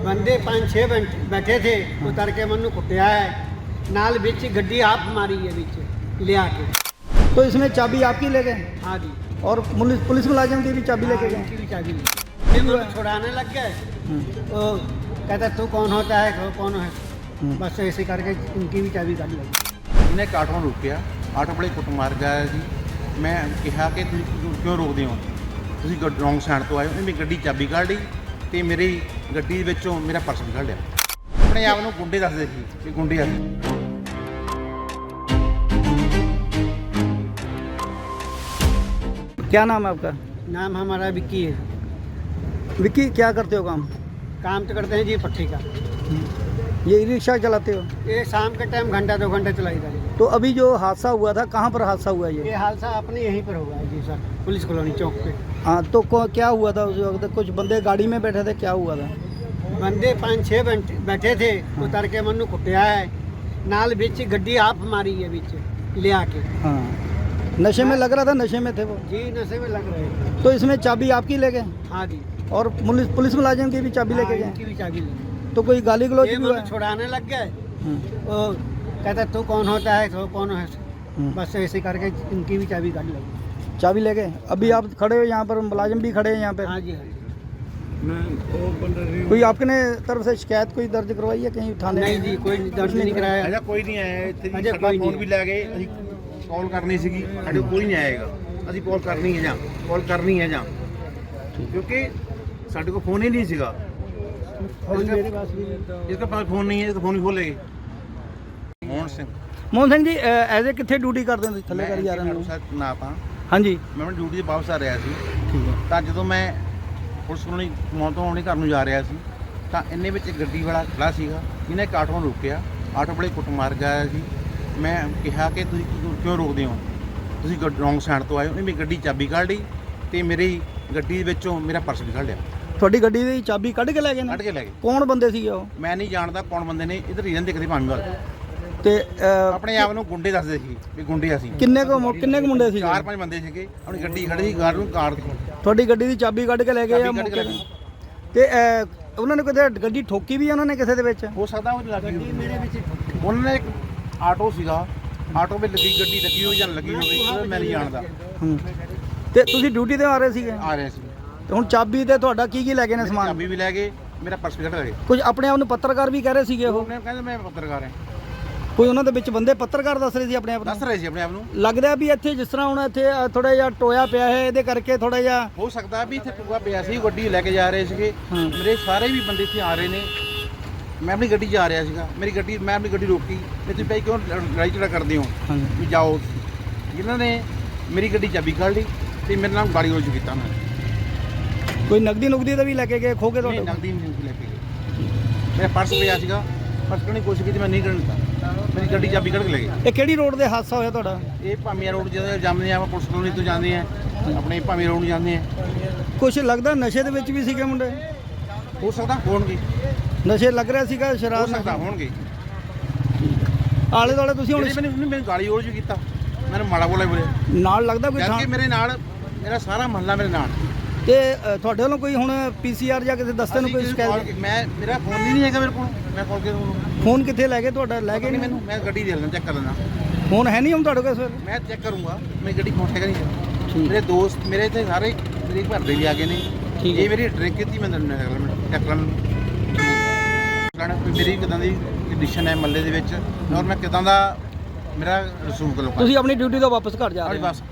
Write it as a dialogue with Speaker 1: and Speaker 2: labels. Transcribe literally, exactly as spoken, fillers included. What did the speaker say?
Speaker 1: ਬੰਦੇ ਪੰਜ ਛੇ बैठे थे उतर के मनु कुटिया है नाल बिच गड्डी आप मारी है बिच लिया के।
Speaker 2: तो इसमें चाबी आपकी ले गए
Speaker 1: हाँ जी
Speaker 2: और पुलिस पुलिस मुलाजिम की भी चाबी लेके गए?
Speaker 1: उनकी भी चाबी ली। फिर वो छुड़ाने लग गए तो कहता तू कौन होता है वो कौन है, बस ऐसे करके उनकी भी चाबी काट लगी।
Speaker 3: ਇਹਨੇ ਇੱਕ ਆਟੋ ਨੂੰ ਰੋਕਿਆ, ਆਟੋ ਵਾਲੇ ਕੁੱਟ ਮਾਰ ਗਿਆ ਜੀ। ਮੈਂ ਕਿਹਾ ਕਿ ਤੁਸੀਂ ਕਿਉਂ- ਕਿਉਂ ਰੋਕਦੇ ਹੋ, ਤੁਸੀਂ ਰੌਂਗ ਸਾਈਡ ਤੋਂ ਆਏ ਹੋ। ਇਹਨੇ ਗੱਡੀ ਚਾਬੀ ਕੱਢ ਲਈ ਤੇ ਮੇਰੀ ਗੱਡੀ ਵਿੱਚੋਂ ਮੇਰਾ ਪਰਸ ਵੀ ਕੱਢ ਲਿਆ। ਆਪਣੇ ਆਪ ਨੂੰ ਗੁੰਡੇ ਦੱਸਦੇ ਸੀ ਕਿ ਗੁੰਡੇ ਆ।
Speaker 2: क्या नाम है आपका?
Speaker 1: नाम हमारा विक्की है।
Speaker 2: विक्की, क्या करते हो काम?
Speaker 1: काम तो करते हैं जी पट्टी का।
Speaker 2: ये ई रिक्शा चलाते हो?
Speaker 1: ये शाम के टाइम घंटा दो घंटे चलाई जाती है।
Speaker 2: तो अभी जो हादसा हुआ था, कहाँ पर हादसा हुआ ये?
Speaker 1: ये हादसा अपने यहीं पर हुआ है जी सर, पुलिस कॉलोनी चौक पे।
Speaker 2: हाँ, तो को- क्या हुआ था उस वक्त? कुछ बंदे गाड़ी में बैठे थे, क्या हुआ था?
Speaker 1: बंदे पाँच छः बैठे थे उतर के मनु कुटिया है नाल बिच गड्डी आप मारी है बिच लिया के।
Speaker 2: हाँ, नशे में लग रहा था, नशे में थे वो।
Speaker 1: जी नशे में लग रहे थे।
Speaker 2: तो इसमें चाबी आपकी ले गए
Speaker 1: हाँ जी
Speaker 2: और पुलिस पुलिस मुलाजिम की भी चाबी
Speaker 1: हाँ,
Speaker 2: लेके गए?
Speaker 1: उनकी भी चाबी ली।
Speaker 2: तो कोई गाली गलौज
Speaker 1: ये
Speaker 2: भी हुआ
Speaker 1: मनु
Speaker 2: है?
Speaker 1: छुड़ाने लग गए
Speaker 2: हम्म,
Speaker 1: वो कहता तू कौन होता है वो कौन है,
Speaker 2: हम्म।
Speaker 1: बस ऐसे करके उनकी भी चाबी काट लगी।
Speaker 2: चाबी ले गए। अभी आप खड़े हो यहाँ पर, मुलाजिम भी खड़े हैं यहाँ पे।
Speaker 1: हाँ जी हाँ जी।
Speaker 2: कोई आपने तरफ से शिकायत कोई दर्ज करवाई है कहीं थाने?
Speaker 1: नहीं जी कोई दर्ज नहीं कराया।
Speaker 3: ਅਜਾ ਕੋਈ ਨਹੀਂ ਆਇਆ ਇੱਥੇ ਜੀ।
Speaker 1: ਅਜੇ
Speaker 3: ਸਾਡਾ
Speaker 1: ਕੋਈ
Speaker 3: ਫੋਨ
Speaker 1: ਨਹੀਂ
Speaker 3: ਵੀ ਲੈ ਗਏ, ਅਸੀਂ ਕਾਲ ਕਰਨੀ ਸੀਗੀ, ਸਾਡੇ ਕੋਲ ਕੋਈ ਨਹੀਂ ਆਏਗਾ। ਅਸੀਂ ਕਾਲ ਕਰਨੀ ਹੈ ਜਾਂ ਕਾਲ ਕਰਨੀ ਹੈ ਜਾਂ ਕਿਉਂਕਿ ਸਾਡੇ ਕੋਲ ਫੋਨ ਹੀ ਨਹੀਂ ਸੀਗਾ।
Speaker 1: फोन मेरे पास भी नहीं था।
Speaker 3: इसके पास फोन नहीं है, इसका फोन भी खोलेगी। मोहन सिंह
Speaker 2: ਮੋਹਨ ਸਿੰਘ ਜੀ, ਐਜ਼ ਏ ਕਿੱਥੇ ਡਿਊਟੀ ਕਰਦੇ ਹੋ ਤੁਸੀਂ? ਥੱਲੇ ਕਰੀ ਜਾ ਰਹੇ ਹੋ?
Speaker 3: ਨਾ ਤਾਂ
Speaker 2: ਹਾਂਜੀ,
Speaker 3: ਮੈਂ ਆਪਣੀ ਡਿਊਟੀ ਤੇ ਵਾਪਸ ਆ ਰਿਹਾ ਸੀ।
Speaker 2: ਠੀਕ ਹੈ।
Speaker 3: ਤਾਂ ਜਦੋਂ ਮੈਂ ਪੁਲਿਸ ਕੋਲੋਂ ਮੌਤ ਤੋਂ ਆਉਣੇ ਘਰ ਨੂੰ ਜਾ ਰਿਹਾ ਸੀ ਤਾਂ ਇੰਨੇ ਵਿੱਚ ਇੱਕ ਗੱਡੀ ਵਾਲਾ ਖੜਾ ਸੀਗਾ। ਇਹਨੇ ਇੱਕ ਆਟੋ ਨੂੰ ਰੋਕਿਆ, ਆਟੋ ਵਾਲੇ ਕੁੱਟ ਮਾਰ ਗਿਆ ਸੀ। ਮੈਂ ਕਿਹਾ ਕਿ ਤੁਸੀਂ ਕਿਉਂ- ਕਿਉਂ ਰੋਕਦੇ ਹੋ, ਤੁਸੀਂ ਰੌਂਗ ਸਾਈਡ ਤੋਂ ਆਏ ਹੋ। ਇਹਨੇ ਮੇਰੀ ਗੱਡੀ ਚਾਬੀ ਕੱਢ ਲਈ ਤੇ ਮੇਰੀ ਗੱਡੀ ਵਿੱਚੋਂ ਮੇਰਾ ਪਰਸ ਵੀ ਕੱਢ ਲਿਆ,
Speaker 2: ਤੁਹਾਡੀ ਗੱਡੀ ਦੀ ਚਾਬੀ ਕੱਢ ਕੇ ਲੈ ਗਏ ਨੇ?
Speaker 3: ਕੱਢ ਕੇ ਲੈ ਗਏ।
Speaker 2: ਕੌਣ ਬੰਦੇ ਸੀਗੇ ਉਹ?
Speaker 3: ਮੈਂ ਨਹੀਂ ਜਾਣਦਾ ਕੌਣ ਬੰਦੇ ਨੇ, ਇਧਰ ਰੀਜਨ ਦਿਖਦੇ ਭਾਵੇਂ ਵੱਲ।
Speaker 2: ਤੇ ਅਹ,
Speaker 3: ਆਪਣੇ ਆਪ ਨੂੰ ਗੁੰਡੇ ਦੱਸਦੇ ਸੀ ਵੀ ਗੁੰਡੇ ਅਸੀਂ।
Speaker 2: ਕਿੰਨੇ ਕੁ ਮੁ- ਕਿੰਨੇ ਕੁ ਮੁੰਡੇ ਸੀਗੇ?
Speaker 3: ਚਾਰ ਪੰਜ ਬੰਦੇ ਸੀਗੇ, ਆਪਣੀ ਗੱਡੀ ਖੜੀ ਸੀ, ਗਾਰਡ ਨੂੰ ਕਾਰ ਦੀ
Speaker 2: ਤੁਹਾਡੀ ਗੱਡੀ ਦੀ ਚਾਬੀ ਕੱਢ ਕੇ ਲੈ ਗਏ ਆ
Speaker 3: ਚਾਬੀ ਕੱਢ ਕੇ
Speaker 2: ਮੌਕੇ
Speaker 3: ਲੈ
Speaker 2: ਤੇ?
Speaker 3: ਗਏ।
Speaker 2: ਤੇ ਅਹ, ਉਹਨਾਂ ਨੇ ਕਿਤੇ ਗੱਡੀ ਠੋਕੀ ਵੀ ਆ ਉਹਨਾਂ ਨੇ ਕਿਸੇ ਦੇ ਵਿੱਚ?
Speaker 3: ਹੋ ਸਕਦਾ ਉਹ ਲੱਗੀ
Speaker 1: ਗੱਡੀ ਮੇਰੇ ਵਿੱਚ ਠੋਕੀ।
Speaker 3: ਉਹਨਾਂ ਨੇ ਇੱਕ ਆਟੋ ਸੀਗਾ, ਆਟੋ 'ਤੇ ਲੱਗੀ ਗੱਡੀ ਲੱਗੀ ਹੋਈ ਜਾਂ ਲੱਗੀ ਹੋਵੇ ਉਹ ਮੈਂ ਨਹੀਂ ਜਾਣਦਾ।
Speaker 2: ਹੂੰ। ਤੇ ਤੁਸੀਂ ਡਿਊਟੀ ਤੇ ਆ ਰਹੇ ਸੀਗੇ
Speaker 3: ਆ ਰਹੇ ਸੀ,
Speaker 2: ਤੇ ਹੁਣ ਚਾਬੀ ਤੇ ਤੁਹਾਡਾ ਕੀ ਕੀ ਲੈ ਗਏ ਨੇ
Speaker 3: ਮੇਰੀ
Speaker 2: ਸਮਾਨ?
Speaker 3: ਚਾਬੀ ਵੀ ਲੈ ਗਏ, ਮੇਰਾ ਪਰਸ ਵੀ ਕੱਢ ਲਏ।
Speaker 2: ਕੁਝ ਆਪਣੇ ਆਪ ਨੂੰ ਪੱਤਰਕਾਰ ਵੀ ਕਹਿ ਰਹੇ ਸੀਗੇ ਉਹ?
Speaker 3: ਉਹਨੇ ਕਹਿੰਦੇ ਮੈਂ ਪੱਤਰਕਾਰ ਹਾਂ।
Speaker 2: ਕੋਈ ਉਹਨਾਂ ਦੇ ਵਿੱਚ ਬੰਦੇ ਪੱਤਰਕਾਰ ਦੱਸ ਰਹੇ ਸੀ ਆਪਣੇ ਆਪ
Speaker 3: ਦੱਸ
Speaker 2: ਨੂੰ?
Speaker 3: ਰਹੇ ਸੀ ਆਪਣੇ ਆਪ ਨੂੰ।
Speaker 2: ਲੱਗਦਾ ਵੀ ਇੱਥੇ ਜਿਸ ਤਰ੍ਹਾਂ ਹੁਣ ਇੱਥੇ ਥੋੜਾ ਜਿਹਾ ਟੋਇਆ ਪਿਆ ਹੈ, ਇਹਦੇ ਕਰਕੇ ਥੋੜਾ ਜਿਹਾ
Speaker 3: ਹੋ ਸਕਦਾ ਵੀ ਇੱਥੇ ਟੂਆ ਪਿਆ ਸੀ, ਗੱਡੀ ਲੈ ਕੇ ਜਾ ਰਹੇ ਸੀਗੇ।
Speaker 2: ਹਾਂ।
Speaker 3: ਮੇਰੇ ਸਾਰੇ ਵੀ ਬੰਦੇ ਇੱਥੇ ਆ ਰਹੇ ਨੇ। ਮੈਂ ਆਪਣੀ ਗੱਡੀ 'ਚ ਆ ਰਿਹਾ ਸੀਗਾ, ਮੇਰੀ ਗੱਡੀ ਮੈਂ ਆਪਣੀ ਗੱਡੀ ਰੋਕੀ ਤੇ ਤੁਸੀਂ ਭਾਈ ਕਿਉਂ ਲੜਾਈ ਝਗੜਾ ਕਰਦੇ ਹੋ
Speaker 2: ਹਾਂਜੀ।
Speaker 3: ਵੀ ਜਾਓ। ਜਿਨ੍ਹਾਂ ਨੇ ਮੇਰੀ ਗੱਡੀ ਚਾਬੀ ਕੱਢ ਲਈ ਤੇ ਮੇਰੇ ਨਾਲ ਗਾਲੀ ਗਲੋਚ ਕੀਤਾ। ਮੈਂ
Speaker 2: ਕੋਈ ਨਗਦੀ ਨੁਗਦੀ ਦਾ ਵੀ ਲੈ ਕੇ ਗਏ, ਖੋ ਕੇ
Speaker 3: ਨਹੀਂ
Speaker 2: ਤੁਹਾਡੇ?
Speaker 3: ਨਗਦੀ ਨਹੀਂ ਲੈ ਕੇ ਗਏ। ਮੇਰਾ ਪਰਸ ਪਿਆ ਸੀਗਾ, ਪਰਸ ਕੱਢਣ ਦੀ ਕੋਸ਼ਿਸ਼ ਕੀਤੀ, ਮੈਂ ਨਹੀਂ ਕੱਢਣ ਦਿੱਤਾ। ਮੇਰੀ ਗੱਡੀ ਚਾਬੀ ਕੱਢ ਕੇ ਲੈ ਗਏ।
Speaker 2: ਇਹ ਕਿਹੜੀ ਰੋਡ ਤੇ ਹਾਦਸਾ ਹੋਇਆ ਤੁਹਾਡਾ?
Speaker 3: ਇਹ ਭਾਮੀਆਂ ਰੋਡ ਜਦੋਂ ਜਾਂਦੇ ਆ, ਆਪਾਂ ਪੁਲਿਸ ਕਲੋਨੀ ਤੋਂ ਜਾਂਦੇ ਆ, ਆਪਣੇ ਭਾਮੀਆਂ ਰੋਡ ਨੂੰ ਜਾਂਦੇ ਆ।
Speaker 2: ਕੁਝ ਲੱਗਦਾ ਨਸ਼ੇ ਦੇ ਵਿੱਚ ਵੀ ਸੀਗੇ ਮੁੰਡੇ?
Speaker 3: ਹੋ ਸਕਦਾ ਹੋਣਗੇ,
Speaker 2: ਨਸ਼ੇ ਲੱਗ ਰਿਹਾ ਸੀਗਾ,
Speaker 3: ਹੋ
Speaker 2: ਸ਼ਰਾਬ
Speaker 3: ਸਕਦਾ
Speaker 2: ਨਾਲ?
Speaker 3: ਹੋਣਗੇ।
Speaker 2: ਆਲੇ ਦੁਆਲੇ ਤੁਸੀਂ ਹੁਣ
Speaker 3: ਜਿਹੜੇ ਮੈਨੂੰ ਉਹਨੇ ਮੈਨੂੰ ਗਾਲੀ ਗਲੋਚ ਵੀ ਕੀਤਾ, ਮੈਨੂੰ ਮਾੜਾ ਬੋਲਿਆ ਬੋਲੇ।
Speaker 2: ਨਾਲ ਲੱਗਦਾ ਕੋਈ
Speaker 3: ਜਦ
Speaker 2: ਥਾਂ?
Speaker 3: ਕਿ ਮੇਰੇ ਨਾਲ ਮੇਰਾ ਸਾਰਾ ਮਹੱਲਾ ਮੇਰੇ ਨਾਲ।
Speaker 2: ਤੇ ਅ, ਤੁਹਾਡੇ ਵੱਲੋਂ ਕੋਈ ਹੁਣ ਪੀਸੀਆਰ ਜਾਂ ਕਿਸੇ ਦਸਤੇ ਨੂੰ
Speaker 3: ਅਸੀਂ
Speaker 2: ਕੋਈ
Speaker 3: ਕਿਸੇ
Speaker 2: ਸ਼ਿਕਾਇਤ?
Speaker 3: call- ਮੈਂ ਮੇਰਾ ਫੋਨ ਹੀ ਨਹੀਂ ਹੈਗਾ ਮੇਰੇ ਕੋਲ, ਮੈਂ ਕਾਲ ਕੇ
Speaker 2: ਫੋਨ ਕਿੱਥੇ ਲੈ ਗਏ ਤੁਹਾਡਾ? ਲੈ ਗਏ
Speaker 3: ਨਹੀਂ
Speaker 2: ਨਹੀਂ?
Speaker 3: ਮੈਨੂੰ, ਮੈਂ ਗੱਡੀ ਦੇ ਲੈਣਾ, ਚੈੱਕ ਕਰ ਲੈਣਾ।
Speaker 2: ਫੋਨ ਹੈ ਨਹੀਂ ਹੁਣ ਤੁਹਾਡੇ ਕੋਲ ਇਸ ਵੇਲੇ?
Speaker 3: ਮੈਂ ਚੈੱਕ ਕਰੂੰਗਾ, ਮੇਰੀ ਗੱਡੀ ਫੋਨ ਹੈਗਾ ਨਹੀਂ।
Speaker 2: ਠੀਕ।
Speaker 3: ਮੇਰੇ ਦੋਸਤ ਮੇਰੇ ਇੱਥੇ ਸਾਰੇ ਮੇਰੇ ਘਰ ਦੇ ਵੀ ਆ ਗਏ ਨੇ।
Speaker 2: ਠੀਕ ਹੈ।
Speaker 3: ਇਹ ਮੇਰੀ ਡਰਿੰਕ ਕੀਤੀ ਮੈਂ ਤੁਹਾਨੂੰ ਚੈੱਕ ਕਰ ਲੈਣਾ ਵੀ ਮੇਰੀ ਕਿਦਾਂ ਦੀ ਕੰਡੀਸ਼ਨ ਹੈ ਮੱਲੇ ਦੇ ਵਿੱਚ, ਔਰ ਮੈਂ ਕਿਦਾਂ ਦਾ ਮੇਰਾ ਰਸੂਖ ਲੋਕਾਂ
Speaker 2: ਤੁਸੀਂ ਆਪਣੀ ਡਿਊਟੀ ਤੋਂ ਵਾਪਸ ਘਰ ਜਾ ਰਹੇ ਹੋ?
Speaker 3: ਬਸ